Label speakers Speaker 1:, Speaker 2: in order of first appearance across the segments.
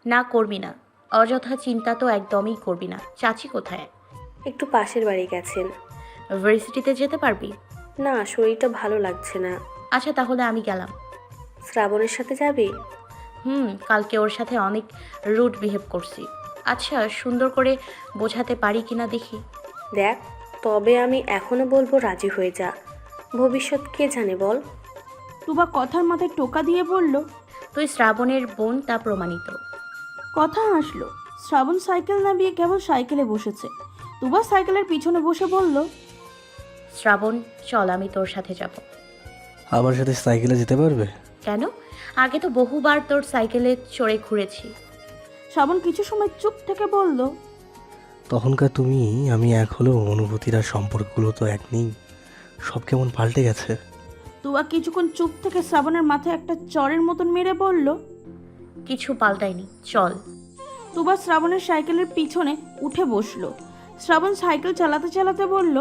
Speaker 1: না করবি না, অযথা চিন্তা তো একদমই করবি না। চাচি কোথায়?
Speaker 2: একটু পাশের বাড়ি গেছেন।
Speaker 1: ভার্সিটিতে যেতে পারবি?
Speaker 2: না, শরীরটা ভালো লাগছে না।
Speaker 1: আচ্ছা তাহলে আমি গেলাম।
Speaker 2: শ্রাবণের সাথে যাবি?
Speaker 1: কালকে ওর সাথে অনেক রুড বিহেভ করছি। আচ্ছা সুন্দর করে বোঝাতে পারি কিনা দেখি।
Speaker 2: দেখ, তবে আমি এখনো বলবো রাজি হয়ে যা। ভবিষ্যৎ কে জানে বল।
Speaker 3: টুবা কথার মাথায় টোকা দিয়ে বলল।
Speaker 1: তুই শ্রাবণের বোন, তা প্রমাণিত।
Speaker 3: কথা হাসলো। শ্রাবণ সাইকেল নামিয়ে কেবল সাইকেলে বসেছে। টুবা সাইকেলের পিছনে বসে বলল।
Speaker 1: শ্রাবণ চল, আমি তোর সাথে যাব।
Speaker 4: আমার সাথে সাইকেলে যেতে পারবে?
Speaker 1: কেন? আগে তো বহুবার তোর সাইকেলে চড়ে ঘুরেছি।
Speaker 3: শ্রাবণ কিছু সময় চুপ থেকে বলল।
Speaker 4: তখনকার তুমি আমি এক হলেও অনুভূতির আর সম্পর্কগুলো তো এক নেই। সব কেমন পাল্টে গেছে।
Speaker 3: টুবা কিছুক্ষণ চুপ থেকে শ্রাবণের মাথায় একটা চরের মতন মেরে বলল।
Speaker 1: কিছু পাল্টায়নি, চল।
Speaker 3: টুবা শ্রাবণের সাইকেলের পিছনে উঠে বসলো। শ্রাবণ সাইকেল চালাতে চালাতে বলল।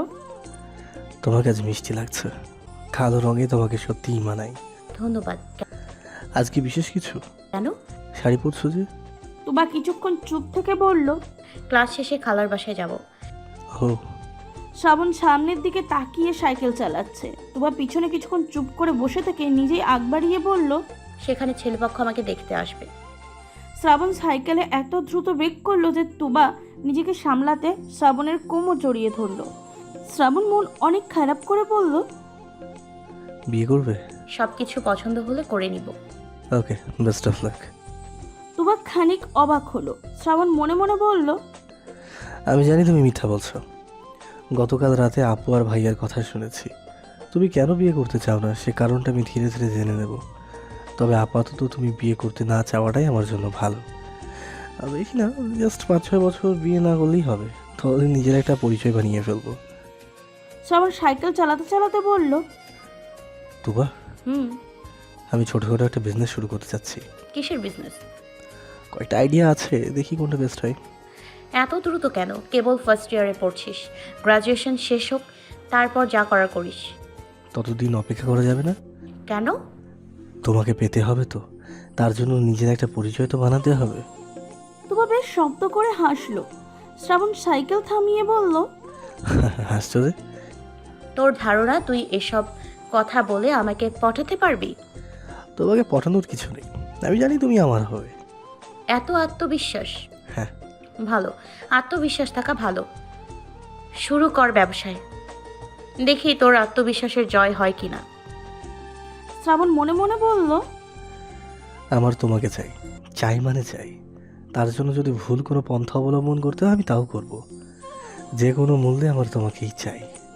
Speaker 4: তোমাকে আজ মিষ্টি লাগছে। কালো রঙে তোমাকে সত্যিই মানায়।
Speaker 1: ধন্যবাদ।
Speaker 4: আজকে বিশেষ কিছু?
Speaker 1: কেন?
Speaker 4: শাড়ি পরছো যে?
Speaker 3: টুবা কিছুক্ষণ চুপ থেকে বলল।
Speaker 1: ক্লাস শেষে খালার বাসায় যাব।
Speaker 4: ও।
Speaker 3: শ্রাবণ সামনের দিকে তাকিয়ে সাইকেল চালাচ্ছে। টুবা পিছনে কিছুক্ষণ চুপ করে বসে থেকে নিজেই আগ বাড়িয়ে বলল।
Speaker 1: সেখানে ছেলেপক্ষ আমাকে দেখতে আসবে।
Speaker 3: শ্রাবণ সাইকেলে এত দ্রুত ব্রেক করলো যে টুবা নিজেকে সামলাতে শ্রাবণের কোমর জড়িয়ে ধরলো। শ্রাবণ মন অনেক খারাপ করে বলল।
Speaker 4: বিয়ে করবে?
Speaker 1: সবকিছু পছন্দ হলে করে নিব।
Speaker 4: Okay, best of luck.
Speaker 3: Tuba খানিক অবাক হলো। শ্রাবণ মনে মনে বলল।
Speaker 4: আমি জানি তুমি মিথ্যা বলছো। গতকাল রাতে আপু আর ভাইয়ার কথা শুনেছি। তুমি কেন বিয়ে করতে চাও না সে কারণটা আমি ধীরে ধীরে জেনে নেব। তবে আপাতত তুমি বিয়ে করতে না চাওয়াটাই আমার জন্য ভালো। আর দেখি না, জাস্ট 5-6 বছর বিয়ে না করলেই হবে। তাহলে নিজের একটা পরিচয় বানিয়ে ফেলবো।
Speaker 3: শ্রাবণ সাইকেল চালাতে চালাতে বলল।
Speaker 4: তুবা,
Speaker 1: হুম।
Speaker 4: আমি ছোটোখাটো একটা বিজনেস শুরু করতে চাচ্ছি।
Speaker 1: কিসের বিজনেস?
Speaker 4: কয়েকটা আইডিয়া আছে, দেখি কোনটা বেস্ট হয়।
Speaker 1: এত দ্রুত কেন? কেবল ফার্স্ট ইয়ারে পড়ছিস। গ্রাজুয়েশন শেষ হোক, তারপর যা করার করিস।
Speaker 4: ততদিন অপেক্ষা করা যাবে না?
Speaker 1: কেন?
Speaker 4: তোমাকে পেতে হবে তো, তার জন্য নিজের একটা পরিচয় তো বানাতে হবে।
Speaker 3: টুবা বেশ শব্দ করে হাসলো। শ্রাবণ সাইকেল থামিয়ে বলল।
Speaker 4: হাসছো যে?
Speaker 1: তোর ধারণা তুই এসব কথা বলে আমাকে পটাতে পারবি?
Speaker 4: তোমাকে পটানোর কিছু নেই, আমি জানি তুমি আমার হবে।
Speaker 1: এত আত্মবিশ্বাস?
Speaker 4: হ্যাঁ।
Speaker 1: ভালো, আত্মবিশ্বাস থাকা ভালো। শুরু কর ব্যবসায়, দেখি তোর আত্মবিশ্বাসের জয় হয় কিনা।
Speaker 3: শ্রাবণ মনে মনে বলল।
Speaker 4: আমার তোমাকে চাই, চাই মানে চাই। তার জন্য যদি ভুল কোনো পন্থা অবলম্বন করতে হয় আমি তাও করব। যে কোনো মূল্যে আমার তোমাকেই চাই।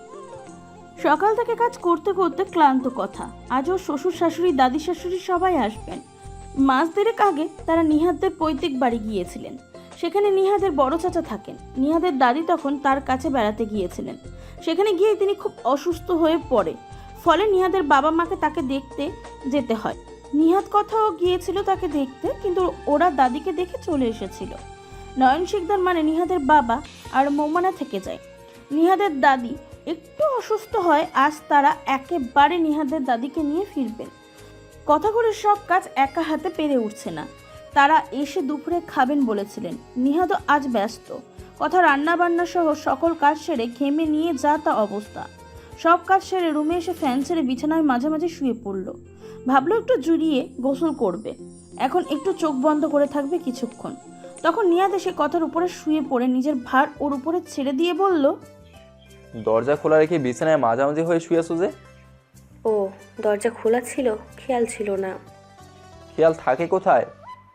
Speaker 3: সকাল থেকে কাজ করতে করতে ক্লান্ত কথা। আজও শ্বশুর শাশুড়ি দাদি শাশুড়ি সবাই আসবেন। মাস দেড়েক আগে তারা নিহাদের পৈতৃক বাড়ি গিয়েছিলেন। সেখানে নিহাদের বড় চাচা থাকেন। নিহাদের দাদি তখন তার কাছে বেড়াতে গিয়েছিলেন। সেখানে গিয়ে তিনি খুব অসুস্থ হয়ে পড়ে। ফলে নিহাদের বাবা মাকে তাকে দেখতে যেতে হয়। নিহাদ কথাও গিয়েছিল তাকে দেখতে, কিন্তু ওরা দাদিকে দেখে চলে এসেছিল। নয়ন শিকদার মানে নিহাদের বাবা আর মৌমানা থেকে যায়। নিহাদের দাদি একটু অসুস্থ হয়। আজ তারা একেবারে নিহাদের দাদিকে নিয়ে ফিরবেন। কথাগুলোর সব কাজ একা হাতে পেরে উঠছে না। তারা এসে দুপুরে খাবেন বলেছিলেন। নিহাদও আজ ব্যস্ত। কথা রান্না বান্না সহ সকল কাজ সেরে ঘেমে নিয়ে যা তা অবস্থা। সব কাজ সেরে রুমে এসে ফ্যান ছেড়ে বিছানায় মাঝামাঝি শুয়ে পড়ল। ভাবলো একটু জুড়িয়ে গোসল করবে। এখন একটু চোখ বন্ধ করে থাকবে কিছুক্ষণ। তখন নিহাদ এসে কথার উপরে শুয়ে পড়ে নিজের ভার ওর উপরে ছেড়ে দিয়ে বলল।
Speaker 5: দরজা খোলা রেখে বিছানায় মাঝামাঝি হয়ে শুয়ে আছো যে?
Speaker 2: ও, দরজা খোলা ছিল, খেয়াল ছিল না।
Speaker 5: খেয়াল থাকে কোথায়?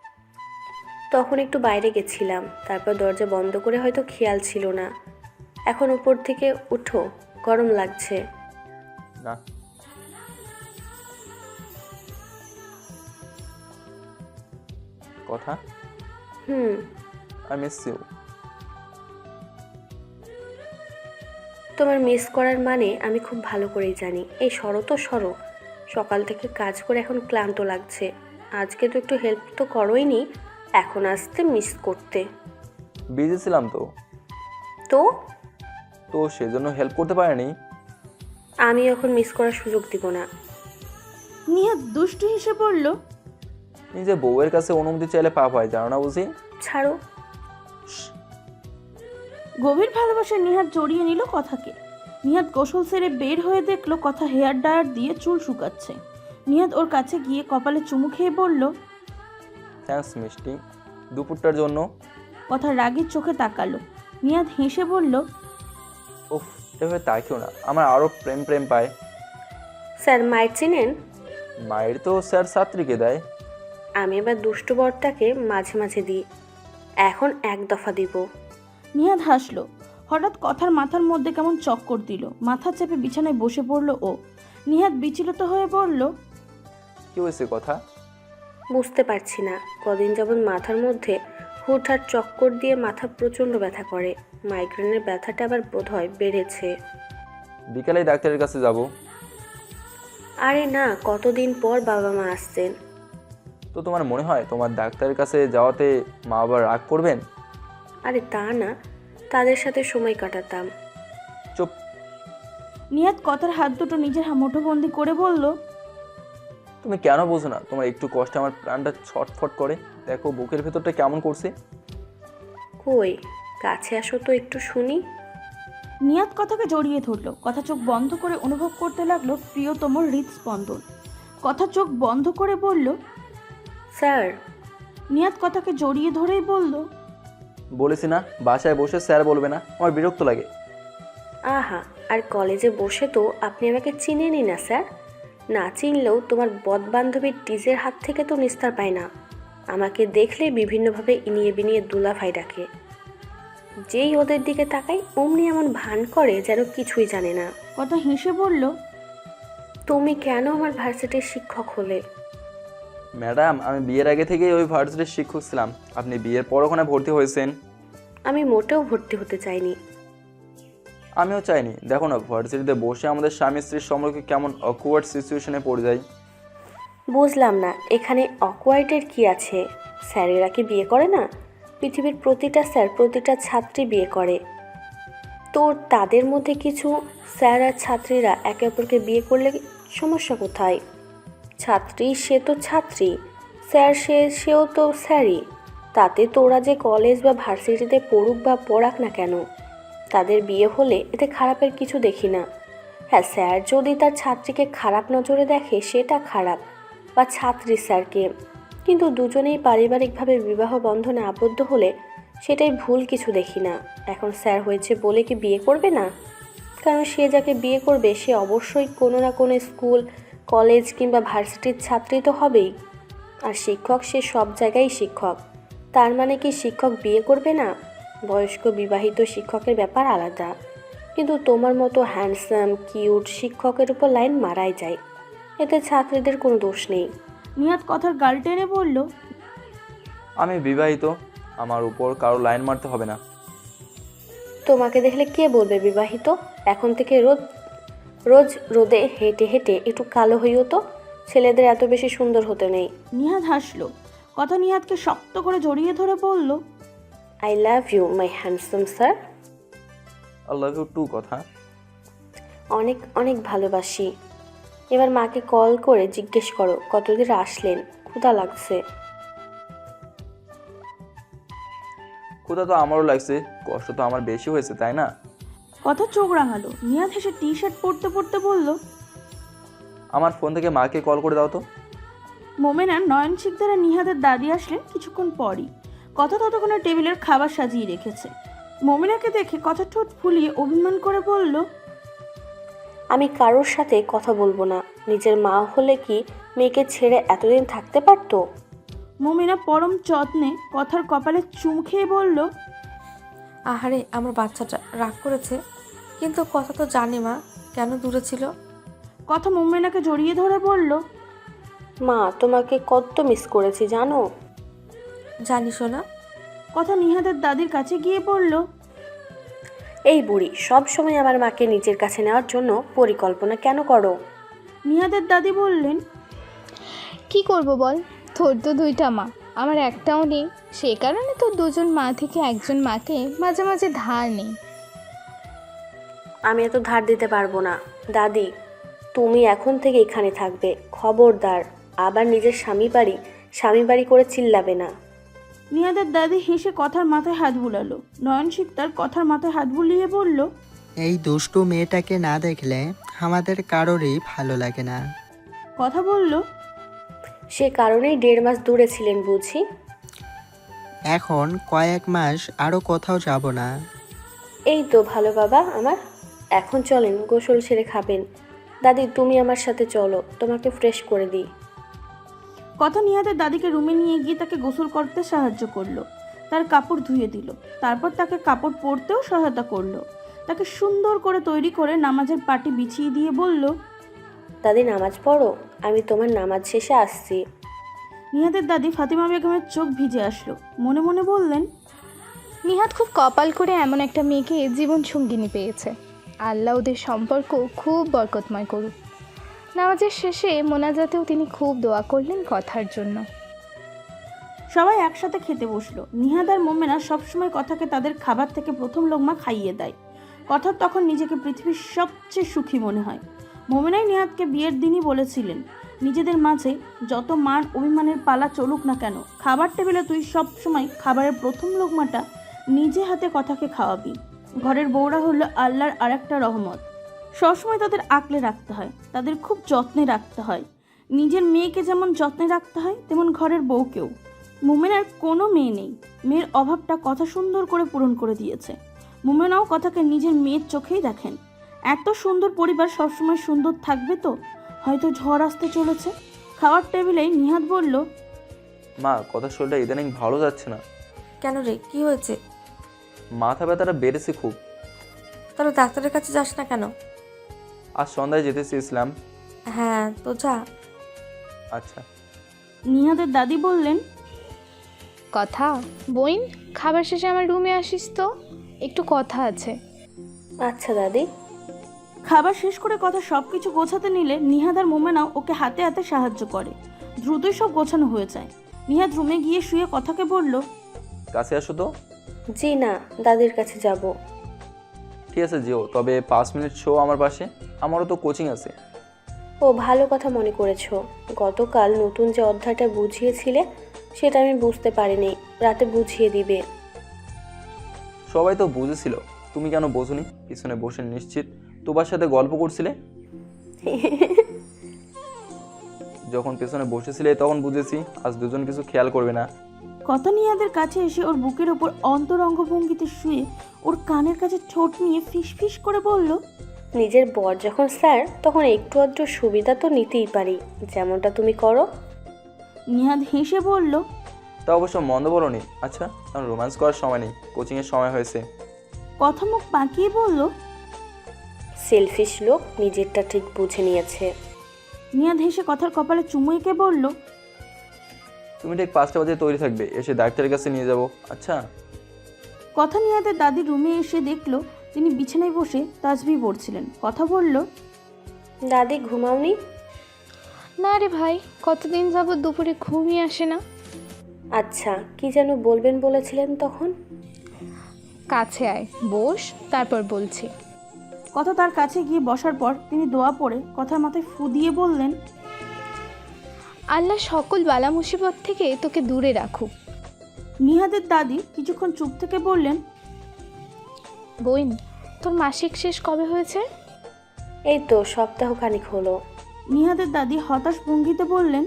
Speaker 2: তখন একটু বাইরে গেছিলাম, তারপর দরজা বন্ধ করে হয়তো খেয়াল ছিল না। এখন উপর থেকে উঠো, গরম লাগছে।
Speaker 5: না। কথা। I miss you.
Speaker 2: তোমার মিস করার মানে আমি খুব ভালো করেই জানি। এই সরো তো সরো। সকাল থেকে কাজ করে এখন ক্লান্ত লাগছে। আজকে তো একটু হেল্প তো করোই নি, এখন আসতে মিস করতে।
Speaker 5: বিজি ছিলাম তো।
Speaker 2: তো
Speaker 5: তো সেজন্য হেল্প করতে পারিনি।
Speaker 2: আমি এখন মিস করার সুযোগ দিব না।
Speaker 3: নিহাদ দুষ্টু হেসে পড়ল।
Speaker 5: নিজে বউয়ের কাছে অনুমতি চাইলে পাপ হয়, জানো না বুঝি?
Speaker 2: ছাড়ো।
Speaker 3: গভীর ভালোবাসায় নিহাত জড়িয়ে নিল কথাকে। নিহাত গোসল সেরে বের হয়ে দেখলো কথা হেয়ার ড্রায়ার দিয়ে চুল শুকাচ্ছে। নিহাত ওর কাছে গিয়ে কপালে চুমু খেয়ে বলল,
Speaker 5: থ্যাঙ্কস মিষ্টি, দুপুরটার জন্য।
Speaker 3: কথা রাগের চোখে তাকালো। নিহাত হেসে বলল,
Speaker 5: উফ, এভাবে তাকিও না, আমার আরও প্রেম প্রেম পায়।
Speaker 2: স্যার মায়ের চিনেন?
Speaker 5: মায়ের তো স্যার ছাত্রীকে দেয়।
Speaker 2: আমি এবার দুষ্টু বরটাকে মাঝে মাঝে দিই, এখন এক দফা দিব।
Speaker 3: নিহাত হাসলো। হঠাৎ কথার মাথার মধ্যে কেমন চক্কর দিল। মাথা চেপে বিছানায় বসে পড়ল ও। নিহাত বিচলিত হয়ে বলল,
Speaker 5: কি হয়েছে কথা?
Speaker 2: বুঝতে পারছি না, কদিন যাবৎ মাথার মধ্যে হুটহাট চক্কর দিয়ে মাথা প্রচণ্ড ব্যথা করে। মাইগ্রেনের ব্যথাটা আবার বোধহয় বেড়েছে।
Speaker 5: বিকালেই ডাক্তারের কাছে যাব।
Speaker 2: আরে না, কতদিন পর বাবা মা আসছেন।
Speaker 5: তো তোমার মনে হয় তোমার ডাক্তারের কাছে যাওয়াতে মা বাবা রাগ করবেন?
Speaker 2: আরে তা না, তাদের সাথে সময় কাটাতাম।
Speaker 5: চুপ।
Speaker 3: নিহাত কথার হাত দুটো নিজের মুঠোবন্দি করে বলল,
Speaker 5: তুমি কেন বোঝো না? তোমার একটু কষ্টে আমার প্রাণটা ছটফট করে। দেখো বুকের ভেতরটা কেমন করছে।
Speaker 2: কই, কাছে আসো তো একটু শুনি।
Speaker 3: নিহাত কথাকে জড়িয়ে ধরলো। কথা চোখ বন্ধ করে অনুভব করতে লাগলো প্রিয়তম হৃদস্পন্দন। কথা চোখ বন্ধ করে বলল,
Speaker 2: স্যার।
Speaker 3: নিহাত কথাকে জড়িয়ে ধরেই বলল,
Speaker 5: বলেছি না বাসায় বসে স্যার বলবে না, আমার বিরক্ত লাগে।
Speaker 2: আহা, আর কলেজে বসে তো আপনি আমাকে চিনেনই না স্যার। না চিনলেও তোমার বদবান্ধবীর টিজের হাত থেকে তো নিস্তার পায় না। আমাকে দেখলে বিভিন্নভাবে ইনিয়ে বিনিয়ে দুলাভাই ডাকে। যেই ওদের দিকে তাকাই অমনি এমন ভান করে যেন কিছুই জানে না।
Speaker 3: কথা হেসে বলল,
Speaker 2: তুমি কেন আমার ভার্সিটির শিক্ষক হলে?
Speaker 5: ম্যাডাম, আমি বিয়ের আগে থেকেই ওই ভার্সিটির শিক্ষক ছিলাম। আপনি বিয়ের পর ওখানে ভর্তি হয়েছেন।
Speaker 2: আমি মোটেও ভর্তি হতে চাইনি।
Speaker 5: আমিও চাইনি। দেখো না ভার্সিটিতে বসে আমাদের স্বামী স্ত্রীর সম্পর্কে কেমন অকওয়ার্ড সিচুয়েশনে পড়ে যায়।
Speaker 2: বুঝলাম না, এখানে অকওয়ার্ডের কি আছে? স্যারেরা কি বিয়ে করে না? পৃথিবীর প্রতিটা স্যার প্রতিটা ছাত্রী বিয়ে করে। তো তাদের মধ্যে কিছু স্যার আর ছাত্রীরা একে অপরকে বিয়ে করলে সমস্যা কোথায়? ছাত্রী সে তো ছাত্রী, স্যার সেও তো স্যারই। তাতে তোরা যে কলেজ বা ভার্সিটিতে পড়ুক বা পড়াক না কেন, তাদের বিয়ে হলে এতে খারাপের কিছু দেখি না। হ্যাঁ, স্যার যদি তার ছাত্রীকে খারাপ নজরে দেখে সেটা খারাপ, বা ছাত্রী স্যারকে, কিন্তু দুজনেই পারিবারিকভাবে বিবাহ বন্ধনে আবদ্ধ হলে সেটাই ভুল কিছু দেখি না। এখন স্যার হয়েছে বলে কি বিয়ে করবে না? কারণ সে যাকে বিয়ে করবে সে অবশ্যই কোনো না কোনো স্কুল, কলেজ কিংবা ভার্সিটির ছাত্রী তো হবেই। আর শিক্ষক সে সব জায়গায় শিক্ষক। তার মানে কি শিক্ষক বিয়ে করবে না? বয়স্ক বিবাহিত শিক্ষকের ব্যাপার আলাদা, কিন্তু তোমার মতো হ্যান্ডসাম কিউট শিক্ষকের উপর লাইন মারাই যায়। এতে ছাত্রীদের কোনো দোষ নেই।
Speaker 3: নিহাত কথার গাল টেনে বলল,
Speaker 5: আমি বিবাহিত, আমার উপর কারো লাইন মারতে হবে না।
Speaker 2: তোমাকে দেখলে কে বলবে বিবাহিত? এখন থেকে রোজ রোদে হেঁটে হেঁটে একটু কালো হইও তো। ছেলেদের এত বেশি সুন্দর হতে নেই।
Speaker 3: নিহাত হাসলো। কথা নিহাতকে শক্ত করে জড়িয়ে ধরে বলল,
Speaker 2: I love you my handsome sir.
Speaker 5: I love you too. কথা
Speaker 2: অনেক অনেক ভালোবাসি। এবার মাকে কল করে জিজ্ঞেস করো কতদিন আসলেন, ক্ষুধা লাগছে।
Speaker 5: ক্ষুধা তো আমারও লাগছে, কষ্ট তো আমার বেশি হয়েছে, তাই না?
Speaker 3: কথা চোখ রাঙালো। নিহাত হেসে টি শার্ট পরতে পরতে বলল,
Speaker 5: আমার ফোন থেকে মাকে কল করে দাও তো।
Speaker 3: মোমেনা নয়ন শিকদার নিহাতের দাদি আসলেন কিছুক্ষণ পরই। কথা ততক্ষণে টেবিলের খাবার সাজিয়ে রেখেছে। মোমেনাকে দেখে কথা ঠোঁট ফুলিয়ে অভিমান করে বলল,
Speaker 2: আমি কারোর সাথে কথা বলবো না। নিজের মা হলে কি মেয়েকে ছেড়ে এতদিন থাকতে পারতো?
Speaker 3: মোমেনা পরম যত্নে কথার কপালে চুম খেয়ে বলল,
Speaker 6: আহারে আমার বাচ্চাটা রাগ করেছে, কিন্তু কথা তো জানি মা কেন দূরে ছিল।
Speaker 3: কথা মোমেনাকে জড়িয়ে ধরে বলল,
Speaker 2: মা তোমাকে কত মিস করেছি জানো?
Speaker 6: জানি শোনা।
Speaker 3: কথা নিহাতের দাদির কাছে গিয়ে বলল,
Speaker 2: এই বুড়ি সব সময় আমার মাকে নিজের কাছে নেওয়ার জন্য পরিকল্পনা কেন করো?
Speaker 3: নিহাতের দাদি বললেন,
Speaker 7: কি করব বল, তোর তো দুইটা মা, আমার একটাও নেই। সে কারণে তো দুজন মা থেকে একজন মাকে মাঝে মাঝে ধার নেই।
Speaker 2: আমি এত ধার দিতে পারবো না। দাদি, তুমি এখন থেকে এখানে থাকবে। খবরদার আবার নিজের স্বামী বাড়ি স্বামী বাড়ি করে চিল্লাবে না।
Speaker 3: নিহাদের দাদি হেসে কথার মাথায় হাত বুলালো। নয়ন শিকদার কথার মাথায় হাত বুলিয়ে বলল,
Speaker 8: এই দুষ্টু মেয়েটাকে না দেখলে আমাদের কারোরই ভালো লাগে না।
Speaker 3: কথা বলল,
Speaker 2: সে কারণেই 1.5 মাস দূরে ছিলেন বুঝি।
Speaker 8: এখন কয়েক মাস আরও কোথাও যাব না।
Speaker 2: এই তো ভালো বাবা আমার। এখন চলেন, গোসল সেরে খাবেন। দাদি তুমি আমার সাথে চলো, তোমাকে ফ্রেশ করে দিই।
Speaker 3: কথা নিহাদের দাদিকে রুমে নিয়ে গিয়ে তাকে গোসল করতে সাহায্য করলো, তার কাপড় ধুয়ে দিল, তারপর তাকে কাপড় পরতেও সহায়তা করলো, তাকে সুন্দর করে তৈরি করে নামাজের পাটি বিছিয়ে দিয়ে বলল,
Speaker 2: দাদি নামাজ পড়ো, আমি তোমার নামাজ শেষে আসছি।
Speaker 3: নিহাদের দাদি ফাতিমা বেগমের চোখ ভিজে আসলো। মনে মনে বললেন,
Speaker 7: নিহাত খুব কপাল করে এমন একটা মেয়েকে জীবন সঙ্গিনী পেয়েছে। আল্লাহ ওদের সম্পর্ক খুব বরকতময় করুক। নামাজের শেষে মোনাজাতেও তিনি খুব দোয়া করলেন কথার জন্য।
Speaker 3: সবাই একসাথে খেতে বসলো। নিহাদ আর মোমেনা সবসময় কথাকে তাদের খাবার থেকে প্রথম লোকমা খাইয়ে দেয়। কথা তখন নিজেকে পৃথিবীর সবচেয়ে সুখী মনে হয়। মোমেনাই নিহাদকে বিয়ের দিনই বলেছিলেন, নিজেদের মাঝে যত মান অভিমানের পালা চলুক না কেন, খাবার টেবিলে তুই সবসময় খাবারের প্রথম লোকমাটা নিজে হাতে কথাকে খাওয়াবি। ঘরের বউরা হলো আল্লাহর আরেকটা রহমত। সবসময় তাদের আগলে রাখতে হয়, তাদের খুব যত্নে রাখতে হয়। নিজের মেয়েকে যেমন যত্নে রাখতে হয়, তেমন ঘরের বউকেও। মোমেনার কোনো মেয়ে নেই, মেয়ের অভাবটা কথা সুন্দর করে পূরণ করে দিয়েছে। মোমেনাও কথাকে নিজের মেয়ের চোখেই দেখেন। এত সুন্দর পরিবার সবসময় সুন্দর থাকবে তো? হয়তো ঝড় আসতে চলেছে। খাওয়ার টেবিলেই নিহাদ বলল,
Speaker 5: মা, কথা শরীরটা ইদানিং ভালো যাচ্ছে না।
Speaker 6: কেন রে, কি হয়েছে?
Speaker 5: মাথা ব্যথাটা বেড়েছে খুব।
Speaker 6: তাহলে ডাক্তারের কাছে যাস না কেন?
Speaker 5: আজ সন্ধ্যায় যেতে চেয়েছিলাম।
Speaker 6: হ্যাঁ তো যা।
Speaker 5: আচ্ছা।
Speaker 3: নিহাদের দাদি বললেন,
Speaker 7: কথা বইন, খাবার শেষে আমার রুমে আসিস তো, একটু কথা আছে।
Speaker 2: আচ্ছা দাদি।
Speaker 3: খাবার শেষ করে কথা সব কিছু গোছাতে নিলে নিহাদ আর মোমেনাও ওকে হাতে হাতে সাহায্য করে। দ্রুতই সব গোছানো হয়ে যায়। নিহাদ রুমে গিয়ে শুয়ে কথাকে বলল,
Speaker 5: কাছে আসো তো।
Speaker 2: জি না, দাদির কাছে যাব।
Speaker 5: ঠিক আছে যেও, তবে 5 মিনিট শো আমার পাশে, আমারও তো কোচিং আছে।
Speaker 2: ও ভালো কথা মনে করেছো। গতকাল নতুন যে অধ্যায়টা বুঝিয়েছিলে সেটা আমি বুঝতে পারিনি, রাতে বুঝিয়ে দিবে।
Speaker 5: সবাই তো বুঝেছিল, তুমি কেন বোঝোনি? পিছনে বসে নিশ্চিত তোমার সাথে গল্প করছিলে। যখন পেছনে বসেছিলে তখন বুঝেছি আজ দুজন কিছু খেয়াল করবে না।
Speaker 3: কথা নিহাদের কাছে এসে ওর বুকের ওপর অন্তরঙ্গ ভঙ্গিতে শুয়ে ওর কানের কাছে ঠোঁট নিয়ে ফিস ফিস করে বলল,
Speaker 2: নিজের বর যখন স্যার, তখন একটু আধটু সুবিধা তো নিতেই পারি, যেমনটা তুমি করো।
Speaker 3: নিহাদ হেসে বলল,
Speaker 5: তা অবশ্য মন্দ বলোনি। আচ্ছা, কারণ রোম্যান্স করার সময় নেই, কোচিংয়ের সময় হয়েছে।
Speaker 3: কথা মুখ পাকিয়ে বলল,
Speaker 2: সেলফিশ লোক, নিজেরটা ঠিক বুঝে নিয়েছে।
Speaker 3: নিহাদ হেসে কথার কপালে চুমু এঁকে বলল,
Speaker 5: তুমি ঠিক 5টা বাজে তৈরি থাকবে, এসে ডাক্তারের কাছে নিয়ে যাব। আচ্ছা।
Speaker 3: কথা নিহাদের দাদির রুমে এসে দেখলো তিনি বিছানায় বসে তাসবিহ পড়ছিলেন। কথা বলল,
Speaker 2: দাদি ঘুমাওনি?
Speaker 7: না রে ভাই, কতদিন যাবত দুপুরে ঘুমই আসে না।
Speaker 2: আচ্ছা, কি যেন বলবেন বলেছিলেন তখন?
Speaker 7: কাছে আয়, বস, তারপর বলছি।
Speaker 3: কথা তার কাছে গিয়ে বসার পর তিনি দোয়া পড়ে কথার মাথায় ফু দিয়ে বললেন,
Speaker 7: আল্লাহ সকল বালা মুসিবত থেকে তোকে দূরে রাখুক।
Speaker 3: নিহাদের দাদি কিছুক্ষণ চুপ থেকে বললেন,
Speaker 7: বইন, তোর মাসিক শেষ কবে হয়েছে?
Speaker 2: এই তো সপ্তাহখানিক হলো।
Speaker 3: নিহাদের দাদি হতাশ ভঙ্গিতে বললেন,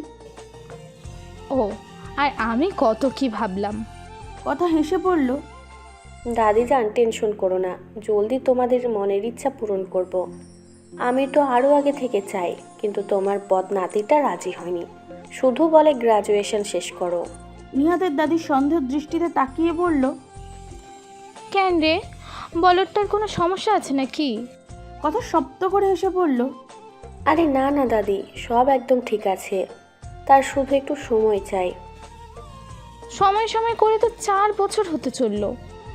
Speaker 7: ও, আর আমি কত কি ভাবলাম।
Speaker 3: কথা হেসে বলল,
Speaker 2: দাদি যান, টেনশন করো না, জলদি তোমাদের মনের ইচ্ছা পূরণ করব। আমি তো আরও আগে থেকে চাই, কিন্তু তোমার বদনাতিটা রাজি হয়নি, শুধু বলে গ্রাজুয়েশন শেষ করো।
Speaker 3: নিহাদের দাদি সন্দেহ দৃষ্টিতে তাকিয়ে বলল,
Speaker 7: কেন রে, বলরটার কোনো সমস্যা আছে নাকি?
Speaker 3: কথা শব্দ করে হেসে বলল,
Speaker 2: আরে না না দাদি, সব একদম ঠিক আছে, তার শুধু একটু সময় চাই।
Speaker 7: সময় সময় করে তো 4 বছর হতে চললো।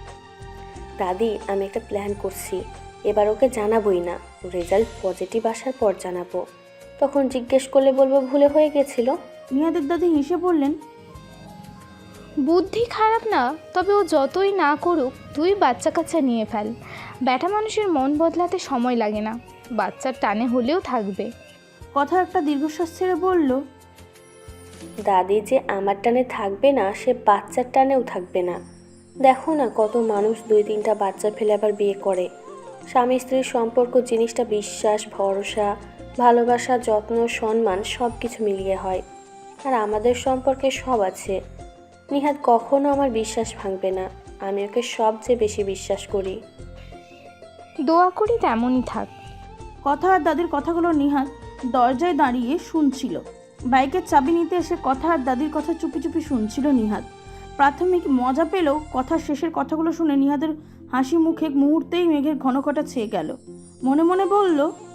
Speaker 2: দাদি আমি একটা প্ল্যান করছি, এবার ওকে জানাবোই না, রেজাল্ট পজিটিভ আসার পর জানাবো, তখন জিজ্ঞেস করলে বলবো ভুলে হয়ে গেছিল।
Speaker 3: নিহাদের দাদি হেসে বললেন,
Speaker 7: বুদ্ধি খারাপ না, তবে ও যতই না করুক তুই বাচ্চা কাচ্চা নিয়ে ফেল। ব্যাটা মানুষের মন বদলাতে সময় লাগে না, বাচ্চার টানে হলেও থাকবে।
Speaker 3: কথা একটা দীর্ঘশ্বাস ছেড়ে বলল,
Speaker 2: দাদি যে আমার টানে থাকবে না, সে বাচ্চার টানেও থাকবে না। দেখো না, কত মানুষ 2-3টা বাচ্চা ফেলে আবার বিয়ে করে। স্বামী স্ত্রীর সম্পর্ক জিনিসটা বিশ্বাস, ভরসা, ভালোবাসা, যত্ন, সম্মান সব কিছু মিলিয়ে হয়। আর আমাদের সম্পর্কে সব আছে। নিহাদ কখনো আমার বিশ্বাস ভাঙবে না। আমি ওকে সবচেয়ে বেশি বিশ্বাস করি।
Speaker 7: দোয়া করি তেমনই থাক।
Speaker 3: কথা আর দাদির কথাগুলো নিহাদ দরজায় দাঁড়িয়ে শুনছিল। বাইকের চাবি নিতে এসে কথা আর দাদির কথা চুপি চুপি শুনছিল নিহাদ। প্রাথমিক মজা পেলেও কথার শেষের কথাগুলো শুনে নিহাদের হাসি মুখে মুহূর্তেই মেঘের ঘনঘটা ছেয়ে গেল। মনে মনে বলল,